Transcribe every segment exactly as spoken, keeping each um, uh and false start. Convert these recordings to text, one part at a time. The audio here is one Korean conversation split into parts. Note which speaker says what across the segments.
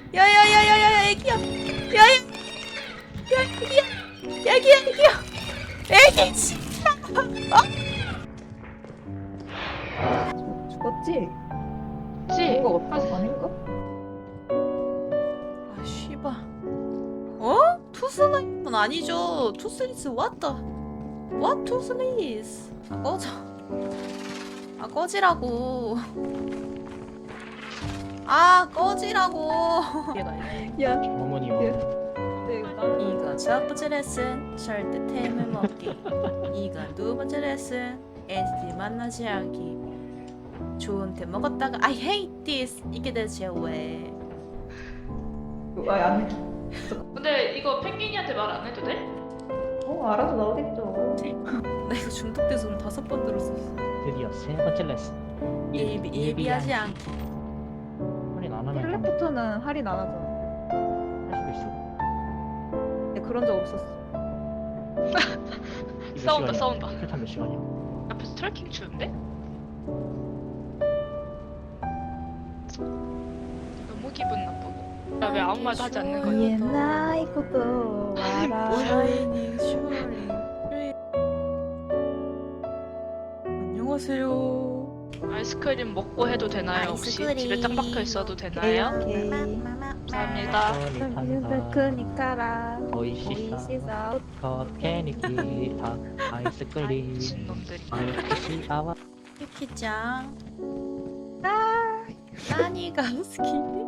Speaker 1: 야야야야야야 애기야. 야야. 야 애기야. 애기야 애기야. 애기 진짜. 어?
Speaker 2: 죽었지?
Speaker 3: 그치?
Speaker 2: 뭔가 어떤 아닌가?
Speaker 1: 아 씨발. 어? 투스는 아니죠. 투스리스 what the? What 투스리스? 아 꺼져. 아 꺼지라고. 아 꺼지라고.
Speaker 2: 야,
Speaker 4: 어머니
Speaker 2: 야.
Speaker 4: 어머니
Speaker 2: 네, 나는
Speaker 1: 이거 첫 번째 레슨 절대 템을 먹기. 이거 두 번째 레슨 엔티티 만나지 않기. 좋은 템 먹었다가 I hate this 이게 대체 왜?
Speaker 2: 아, 안 해.
Speaker 3: 근데 이거 펭귄이한테 말 안 해도 돼?
Speaker 2: 어, 알아서 나오겠죠.
Speaker 1: 나 이거 중독돼서 오늘 다섯 번 들었어.
Speaker 4: 드디어 세 번째 레슨
Speaker 1: 예비 예비하지 않기.
Speaker 4: 할인 안 하면
Speaker 2: 텔레포트는 할인 안 하잖아.
Speaker 4: 할 수도 있어.
Speaker 2: 근데 그런 적 없었어.
Speaker 4: 이거 몇
Speaker 3: 싸운다,
Speaker 4: 시간이야?
Speaker 3: 싸운다.
Speaker 4: 킬탄 몇 시간이야?
Speaker 3: 앞에서 트래킹 추는데? 너무 기분 나쁘고. 나 왜 아무 말도 하지 않는 거야?
Speaker 2: 옛날 것도 알아.
Speaker 1: 샤이닝 슈링. 안녕하세요.
Speaker 3: 아이스크림 먹고 해도 되나요? 혹시
Speaker 1: 아이스크림.
Speaker 3: 집에 짱 박혀 있어도 되나요?
Speaker 2: 오케이.
Speaker 3: 감사합니다.
Speaker 2: 삼겹살 크니까라.
Speaker 4: 오이시사
Speaker 2: 오이시사.
Speaker 4: 컷케니키타 아이스크림
Speaker 3: 미친놈들이.
Speaker 4: 아이스크림
Speaker 1: 유키짱. 아, 나니가 스키.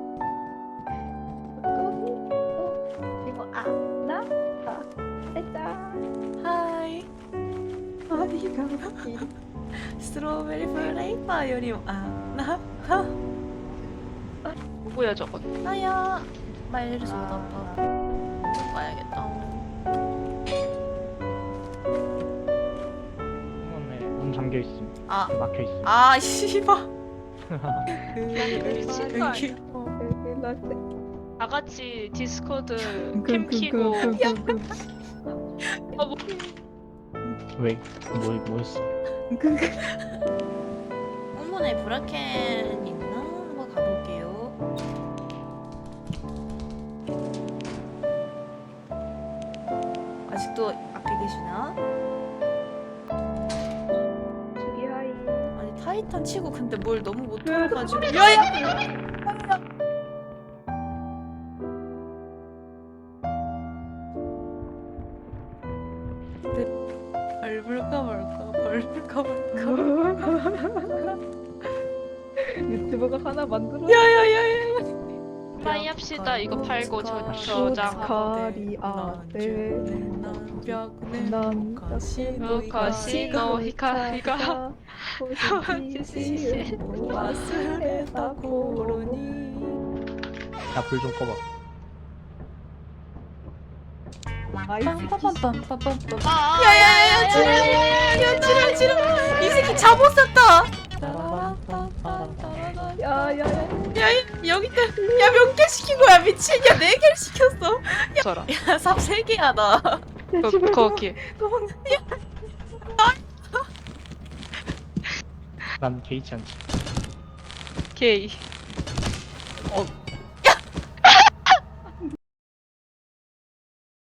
Speaker 2: 그리고 아, 나, 아, 살짝.
Speaker 1: 하이.
Speaker 2: 아니가 웃기.
Speaker 1: 스트로베리 플레이버 요리 아나
Speaker 3: 누구야 저건?
Speaker 1: 나야. 말리 소다파. 가야겠다.
Speaker 4: 어머네 문 잠겨있음
Speaker 1: 아.
Speaker 4: 막혀있음
Speaker 1: 아 씨발.
Speaker 3: 미친 거 아니야?
Speaker 2: 어, 여기 나
Speaker 3: 다 같이 디스코드
Speaker 2: 그,
Speaker 3: 캠
Speaker 2: 그,
Speaker 3: 키고
Speaker 2: 그, 그, 그, 그.
Speaker 3: 어, 뭐,
Speaker 4: 왜? 뭐, 뭐였어?
Speaker 2: 그, 그.
Speaker 1: 어머네 브라켄 있나? 한번 가볼게요. 아직도 앞에 계시나?
Speaker 2: 저기 하이.
Speaker 1: 아니 타이탄 치고 근데 뭘 너무 못 들어가지고. 야야. 벌블까 말까 벌블까 말까.
Speaker 2: 유튜버가 하나 만들어.
Speaker 1: 야야야야.
Speaker 3: 파이 합시다. 이거 팔고 저-
Speaker 2: 저장.
Speaker 3: 저장.
Speaker 2: 아떼.
Speaker 1: 난
Speaker 2: 난
Speaker 3: 어, 가시노 히카리가
Speaker 2: 호시시
Speaker 1: 와스레다 코로니.
Speaker 4: 야불 좀 꺼봐
Speaker 1: 빰빰빰빰빰빰빰.
Speaker 3: 아,
Speaker 1: 야야야야 지랄 지랄 지랄. 이 새끼 잡옷 샀다.
Speaker 2: 야야야.
Speaker 1: 야 여기 있다. 야 몇 개 시킨 거야 미친. 야 네 개를 시켰어.
Speaker 3: 저라.
Speaker 1: 야삽세 개야 나.
Speaker 3: 거, 거기.
Speaker 4: 난 개의치 않지
Speaker 3: 게이.
Speaker 1: 어